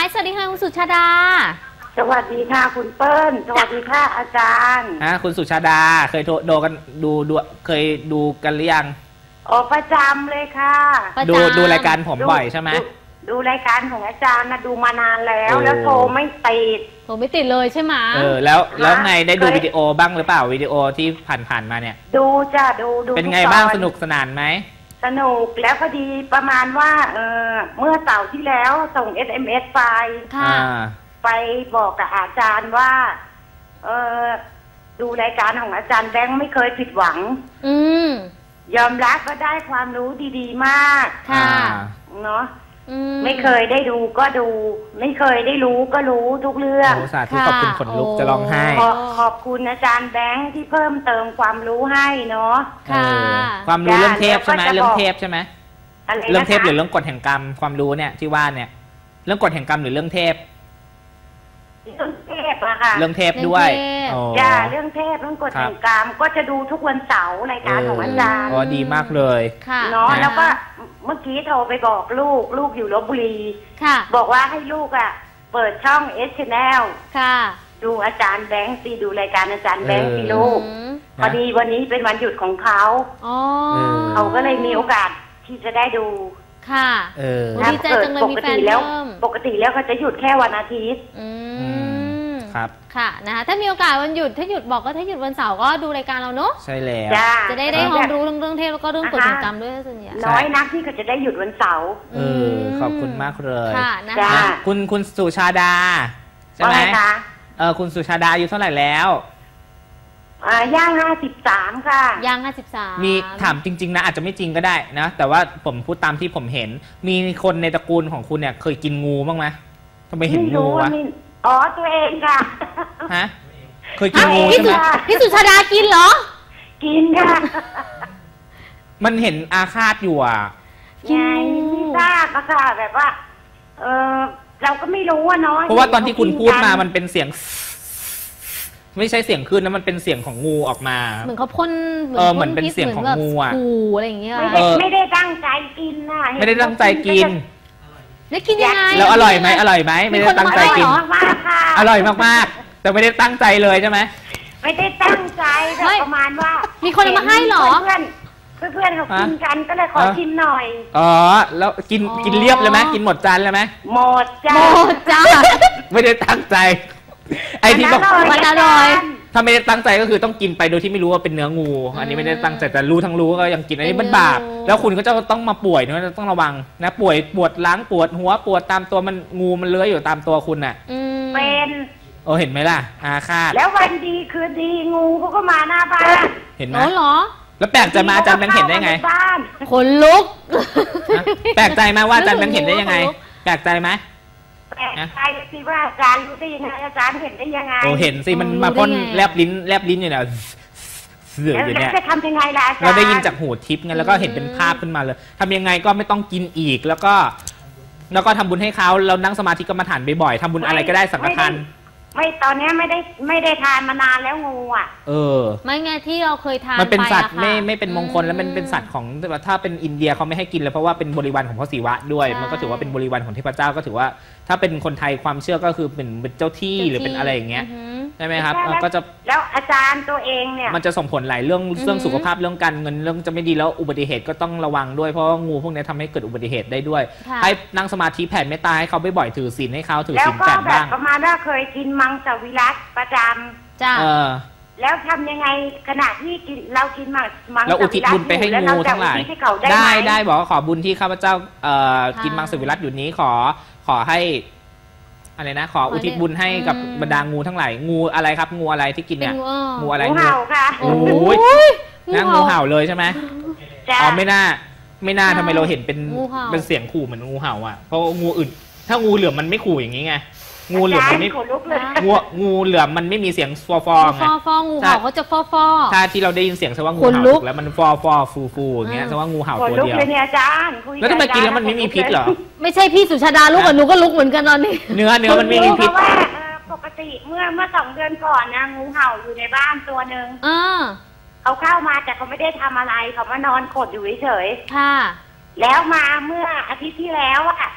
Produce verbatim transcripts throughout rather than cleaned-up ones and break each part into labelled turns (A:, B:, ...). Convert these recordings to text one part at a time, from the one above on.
A: ายสวัสดีค่ะคุณสุชาดา
B: สวัสดีค่ะคุณเปิ้ลสวัสดีค่ะอาจารย์
C: อ่ะคุณสุชาดาเคยดูกันดูดูเคยดูกันหรือยัง
B: อ๋อประจำเลยค่ะ
C: ดูดูรายการผมบ่อยใช่ไหม
B: ดูรายการของอาจารย์นะดูมานานแล้วแล้วโทรไม่ติด
A: โทรไม่ติดเลยใช่ไหม
C: เออแล้วแล้วไงได้ดูวิดีโอบ้างหรือเปล่าวิดีโอที่ผ่านๆมาเนี่ย
B: ดูจ้ะดูดู
C: เป็นไงบ้างสนุกสนานไหม
B: สนุกแล้วพอดีประมาณว่าเออเมื่อเสาร์ที่แล้วส่ง เอส เอ็ม เอส ไป
A: ค่ะ
B: ไปบอกกับอาจารย์ว่าเออดูรายการของอาจารย์แบงค์ไม่เคยผิดหวัง
A: อืม
B: ยอมรับก็ได้ความรู้ดีๆมาก
A: ค่ะ
B: เนาะไม่เคยได้ดูก็ดูไม่เคยได้รู้ก็รู้ทุกเรื่อง
C: สาธุขอบคุณขนลุกจะร้องไห้
B: ขอบคุณอาจารย์แบงค์ที่เพิ่มเติมความรู้ให้เนาะ
A: ค่ะ
C: ความรู้เรื่องเทพใช่ไหมเรื่องเทพใช่ไหมเรื่องเทพหรือเรื่องกฎแห่งกรรมความรู้เนี่ยที่ว่าเนี่ยเรื่องกฎแห่งกรรมหรือเรื่องเทพ
B: เรื่องเทพอะค่ะ
C: เรื่องเทพด้วย
B: จ้าเรื่องเทพเรื่องกฎแห่งกรรมก็จะดูทุกวันเสาร์รายการของอาจารย์
C: อ๋อดีมากเลย
B: เนาะแล้วก็เมื่อกี้โทรไปบอกลูกลูกอยู่ลพบุรีบอกว่าให้ลูกอะเปิดช่องเอส Channel
A: ค่ะ
B: ดูอาจารย์แบงค์สิดูรายการอาจารย์แบงค์สิลูกพอดีวันนี้เป็นวันหยุดของเขาเขาก็เลยมีโอกาสที่จะได้ดู
A: ค่ะ
C: เออ
A: ดีใจจังเลยมีแฟนเพิ่ม
B: ปกติแล้วเขาจะหยุดแค่วันอาทิตย์
A: อืม
C: ครับ
A: ค่ะนะคะถ้ามีโอกาสวันหยุดถ้าหยุดบอกก็ถ้าหยุดวันเสาร์ก็ดูรายการเราเนาะ
C: ใช่แล้ว
A: จะได้ได้ความรู้เรื่องเรื่องเทพแล้วก็เรื่องกฎแห่งกรรมด้วยส่วนใหญ่
B: น้อยนักที่เขาจะได้หยุดวันเสาร์
C: เออขอบคุณมากเลย
A: ค่ะนะคะ
C: คุณคุณสุชาดาใช่ไหมเออคุณสุชาดาอายุเท่าไหร่แล้ว
B: อ่าย่างห้าสิบสามค่ะ
A: ย่างห้าสิบสาม
C: มีถามจริงๆนะอาจจะไม่จริงก็ได้นะแต่ว่าผมพูดตามที่ผมเห็นมีคนในตระกูลของคุณเนี่ยเคยกินงูบ้างไหมทำไมเห็นงูวะ
B: อ๋อตัวเองค่ะ
C: ฮะเคยกินงูใช่ไหม
A: พี่สุชาดากินเหรอ
B: กินค่ะ
C: มันเห็นอาฆาตอยู่อ่ะ
B: ไงไม่ทราบค่ะแบบว่าเออเราก็ไม่รู้ว่าน้อย
C: เพราะว่าตอนที่คุณพูดมามันเป็นเสียงไม่ใช่เสียงขึ้นนะมันเป็นเสียงของงูออกมา
A: เหมือนเขาพ่น
C: เออเหมือนเป็นเสียงของงูอ่ะ
A: อะไรอย่างเงี้ย
B: ไม่ได้ตั้งใจกินนะ
C: ไม่ได้ตั้งใจกิน
A: แล้วกินยังไง
C: แล้วอร่อยไหมอร่อยไหมไม่ได้ตั้งใจกินอร่อยมากๆแต่ไม่ได้ตั้งใจเลยใช่ไหม
B: ไม่ได้ตั้งใจแต่ประมาณว่า
A: มีคนมาให้หรอ
B: เพื่อนเพื่อนเขากินกันก็เลยขอชิมหน่อย
C: อ๋อแล้วกินกินเรียบเลยไหมกินหมดจานเลยไหม
B: หมดจ้า
A: หมดจ้า
C: ไม่ได้ตั้งใจไอ้ที่บอก
A: มันอร่อย
C: ถ้าไม่ได้ตั้งใจก็คือต้องกินไปโดยที่ไม่รู้ว่าเป็นเนื้องูอันนี้ไม่ได้ตั้งใจแต่รู้ทั้งรู้ก็ยังกินอันนี้มันบาปแล้วคุณก็จะต้องมาป่วยนะต้องระวังนะป่วยปวดล้างปวดหัวปวดตามตัวมันงูมันเลื้อยอยู่ตามตัวคุณน่ะ
B: เป็น
C: โอ้เห็นไหมล่ะอาฆาต
B: แล้ววันดีคืนดีงูเขาก็มาหน้าบ้าน
C: เห็นไหม
A: เหรอ
C: แล้วแปลกใจมาอาจารย์แบงค์เห็นได้ไง
A: ขนลุก
C: แปลกใจมาว่าอาจารย์แบงค์เห็นได้ยังไงแปลกใจไหม
B: แปลกใจสิว่าอาจารย์รู้ได้ยังไงอาจารย์เห็นได้ยังไง
C: โอ้เห็นสิมันมาพ่นแลบลิ้นแลบลิ้นอยู่เนี่ยเสืออยู่เนี่ย
B: จะทำยังไงล่ะอาจารย์
C: เราได้ยินจากหูทิพย์ไงแล้วก็เห็นเป็นภาพขึ้นมาเลยทำยังไงก็ไม่ต้องกินอีกแล้วก็แล้วก็ทำบุญให้เขาเรานั่งสมาธิกรรมฐานบ่อยๆทำบุญอะไรก็ได้สังฆทาน
B: ไม่ตอนนี้ไม่ได้ไม่ได้ทานมานานแล้วงูอ่ะ
C: เออ
A: ไม่ไงที่เราเคยทาน
C: มันเป็นสัตว์ไม่ไม่เป็นมงคลแล้วมันเป็นสัตว์ของถ้าเป็นอินเดียเขาไม่ให้กินเลยเพราะว่าเป็นบริวารของพระศิวะด้วยมันก็ถือว่าเป็นบริวารของเทพเจ้าก็ถือว่าถ้าเป็นคนไทยความเชื่อก็คือเป็นเป็นเจ้าที่หรือเป็นอะไรอย่างเงี้ยใช่ไหมครับก็จะ
B: แล้วอาจารย์ตัวเองเนี่ย
C: มันจะส่งผลหลายเรื่องเรื่องสุขภาพเรื่องการเงินเรื่องจะไม่ดีแล้วอุบัติเหตุก็ต้องระวังด้วยเพราะว่างูพวกนี้ทำให้เกิดอุบัติเหตุได้ด้วยให้นั่งสมาธิแผ่เมตตาให้เขาบ่อยๆถือศีลให้เขาถือศีลแปดบ้าง
B: ประมาณว่าเคยกินมังสวิรัติประจำ
A: จ้า
B: แล้วทำยังไงขณะที่กินเรากินมังมัง
C: สวิรัติเราอุทิศบุญไปให้งูทั้งหลายได้ได้บอกว่าขอบุญที่ข้าพเจ้ากินมังสวิรัติอยู่นี้ขอขอให้อะไรนะขออุทิศบุญให้กับบรรดางูทั้งหลายงูอะไรครับงูอะไรที่กินเนี่ยงูอะไร
B: งูเห่าค่ะ
C: โอ้ยนั่งงูเห่าเลยใช่ไหมอ๋อไม่น่าไม่น่าทำไมเราเห็นเป็นเป็นเสียงขู่เหมือนงูเห่าอ่ะเพราะงูอื่นถ้างูเหลือมมันไม่ขู่อย่างนี้ไงงูเหลือมมันไม่งูงูเหลือมมันไม่มีเสียงฟอฟอไง
A: ฟอฟองูเห่าเขาจะฟอฟอ
C: ถ้าที่เราได้ยินเสียงแสดงว่างูเห่าถูกแล้วมันฟอฟอฟูฟูอย่างเงี้ยแสดงว่างูเห่าตัวเดียวแล้วทำไมกินแล้วมันไม่มีพิษเหรอ
A: ไม่ใช่พี่สุชาดาลุกกับหนูก็ลุกเหมือนกันตอนนี้
C: เนื้อเนื้อมันไม่มีพิษ
B: ปกติเมื่อเมื่อสองเดือนก่อนนะงูเห่าอยู่ในบ้านตัวหนึ่ง
A: เขา
B: เข้ามาแต่เขาไม่ได้ทำอะไรเขามานอนขดอยู่เฉย
A: ค่ะ
B: แล้วมาเมื่ออาทิตย์ที่แล้วอะ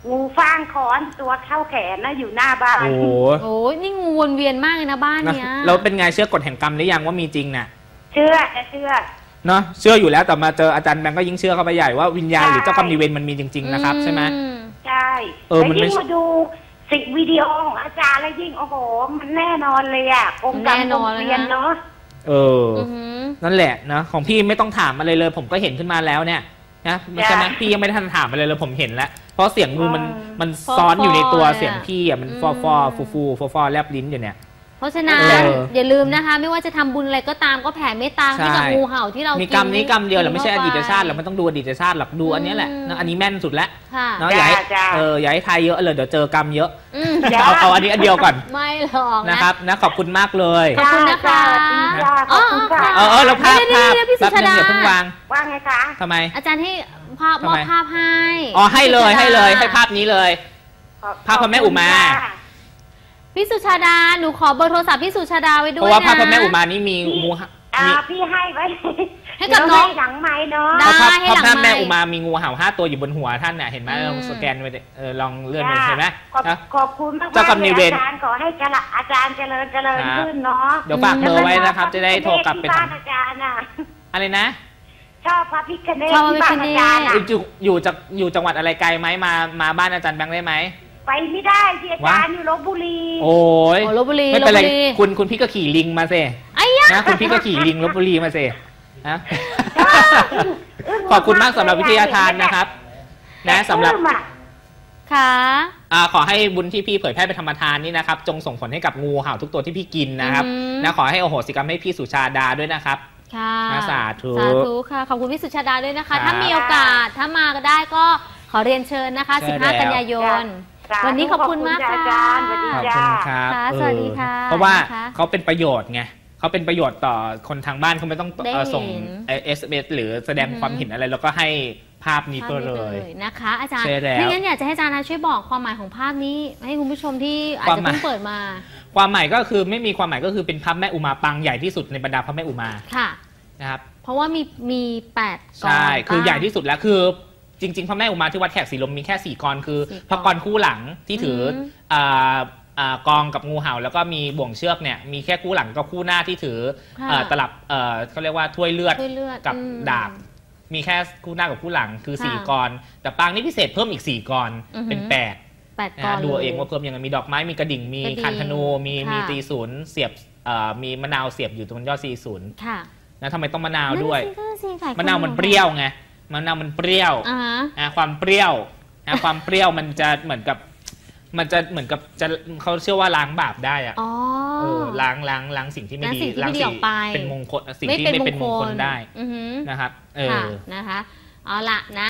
B: งูฟางคอนตัวเข้าแขนนะอยู่หน้าบ้าน
C: โอ้โห
A: โอ้ยนี่งูวนเวียนมากเลยนะบ้านเนี้ย
C: แล้วเป็นไงเชื่อกฎแห่งกรรมหรือยังว่ามีจริงน่ะ
B: เชื่อเชื่อ
C: เนาะเชื่ออยู่แล้วแต่มาเจออาจารย์แบงก์ก็ยิ่งเชื่อเข้าไปใหญ่ว่าวิญญาณหรือเจ้ากรรมนายเวรมันมีจริงๆนะครับใช่ไหม
B: ใช่เออมันยิ่งมาดูสิ่งวิดีโอของอาจารย์แล้วยิ่งโอ้โหมันแน่นอนเลยอ่ะกรมกรรมกรมเวียนเนาะ
C: เออนั่นแหละนะของพี่ไม่ต้องถามอะไรเลยผมก็เห็นขึ้นมาแล้วเนี่ยนะใช่ไหมพี่ยังไม่ทันถามอะไรเลยผมเห็นแล้วเพราะเสียงงูมันมันซ้อนอยู่ในตัวเสียงพี่อ่ะมันฟอฟอฟูฟูฟอฟอแลบลิ้นอยู่เนี่ย
A: เพราะฉะนั้นอย่าลืมนะคะไม่ว่าจะทำบุญอะไรก็ตามก็แผ่เมตตาให้กับงูเห่าที่เรามี
C: กรรมนี้กรรมเดียวหรือไม่ใช่อดีตชาติเราไม่ต้องดูอดีตชาติหรอกดูอันนี้แหละอันนี้แม่นสุดแล้วเนาะอย่าให้เอออย่าให้ทายเยอะเลยเดี๋ยวเจอกรรมเยอะเอาเอาอันนี้อันเดียวก่อน
A: ไม่หรอก
C: นะครับนะขอบคุณมากเลย
A: ขอบคุณนะคะ
B: อ๋อ
C: เออเออแล้วภาพภาพแป๊บนึงอย่าเพิ่งวาง
B: ว่าไงคะ
C: ทำไม
A: อาจารย์ให้ภาพมอบภาพให้
C: อ๋อให้เลยให้เลยให้ภาพนี้เลยภาพพระแม่อุมา
A: พี่สุชาดาหนูขอเบอร์โทรศัพท์พี่สุชาดาไว้ด้วยนะ
C: เพราะว่าภาพพระแม่อุมานี่มีงู
B: อ่าพี่ให้ไว้
A: ให้กับน้อง
B: หลังไม้เนาะ
C: ได้ให้หลังไม้ภาพพระแม่อุมามีงูเห่าห้าตัวอยู่บนหัวท่านน่ะเห็นไหมลองสแกนไปเออลองเลื่อนไปเห็นไหม
B: ขอบคุณมากๆอาจารย์ขอให้อาจารย์เจริญเจริญขึ้นเนาะ
C: เดี๋ยวฝากเบอร์ไว้นะครับจะได้โทรกลับไป
B: ทำอาจารย์อะ
C: อะไรนะ
B: ชอบพระพิฆเนศที่บ้านอาจารย์
C: อยู่อยู่จากอยู่จังหวัดอะไรไกลไหมมามาบ้านอาจารย์แบงค์ได้ไหม
B: ไปไม่ได้ที่อาจารย์อยู่ลพบุรี
C: โอ้ย
A: ลพบุรี
C: ไม่เป็นไรคุณคุณพี่ก็ขี่ลิงมาสินะคุณพี่ก็ขี่ลิงลพบุรีมาสินะขอบคุณมากสำหรับวิทยาทานนะครับนะสำหรับ
A: ค่ะ
C: ขอให้บุญที่พี่เผยแพร่ไปธรรมทานนี่นะครับจงส่งผลให้กับงูเห่าทุกตัวที่พี่กินนะครับนะขอให้โอโหสิกรรมให้พี่สุชาดาด้วยนะครับ
A: ค่ะ
C: สาธุ
A: สาธุค่ะขอบคุณพี่สุชาดาด้วยนะคะถ้ามีโอกาสถ้ามาก็ได้ก็ขอเรียนเชิญนะคะสิบห้ากันยายนวันนี้ขอบคุณมากค่ะ
B: อาจารย์สวัสดีจ้า
A: สวัสดีค่ะ
C: เพราะว่าเขาเป็นประโยชน์ไงเขาเป็นประโยชน์ต่อคนทางบ้านเขาไม่ต้องส่ง เอส เอ็ม เอส หรือแสดงความเห็นอะไรแล้วก็ให้ภาพนี้ตัวเลย
A: นะคะอาจารย์ไม่งั้นอยากจะให้อาจารย์ช่วยบอกความหมายของภาพนี้ให้คุณผู้ชมที่อาจจะเพิ่งเปิดมา
C: ความหมายก็คือไม่มีความหมายก็คือเป็นพระแม่อุมาปางใหญ่ที่สุดในบรรดาพระแม่อุมา
A: ค่ะ
C: นะครับ
A: เพราะว่ามีมีแปดกร
C: ใช่คือใหญ่ที่สุดแล้วคือจริงๆพระแม่อุมาที่วัดแขกศรีลมมีแค่สี่กรคือพระกรคู่หลังที่ถือกองกับงูเห่าแล้วก็มีบ่วงเชือกเนี่ยมีแค่คู่หลังกับคู่หน้าที่ถือตลับเขาเรียกว่าถ้วยเลือดกับดาบมีแค่คู่หน้ากับคู่หลังคือสี่กรแต่ปางนี้พิเศษเพิ่มอีกสี่กรเป็นแปดนะดูเองว่าเพิ่มยังไงมีดอกไม้มีกระดิ่งมีคันธนูมีมีตีศูนย์เสียบมีมะนาวเสียบอยู่ตรงยอดตีศูนย์นะทำไมต้องมะนาวด้วยมะนาวมันเปรี้ยวไงมะนาวมันเปรี้ยวความเปรี้ยวความเปรี้ยวมันจะเหมือนกับมันจะเหมือนกับจะเขาเชื่อว่าล้างบาปได้อะล้างล้างล้างสิ่งที่ไม่ดี
A: ล้างสิ่ง
C: เป็นมงคลสิ่งที่ไม่เป็นมงคลได้นะครับเออ
A: นะคะเอาละนะ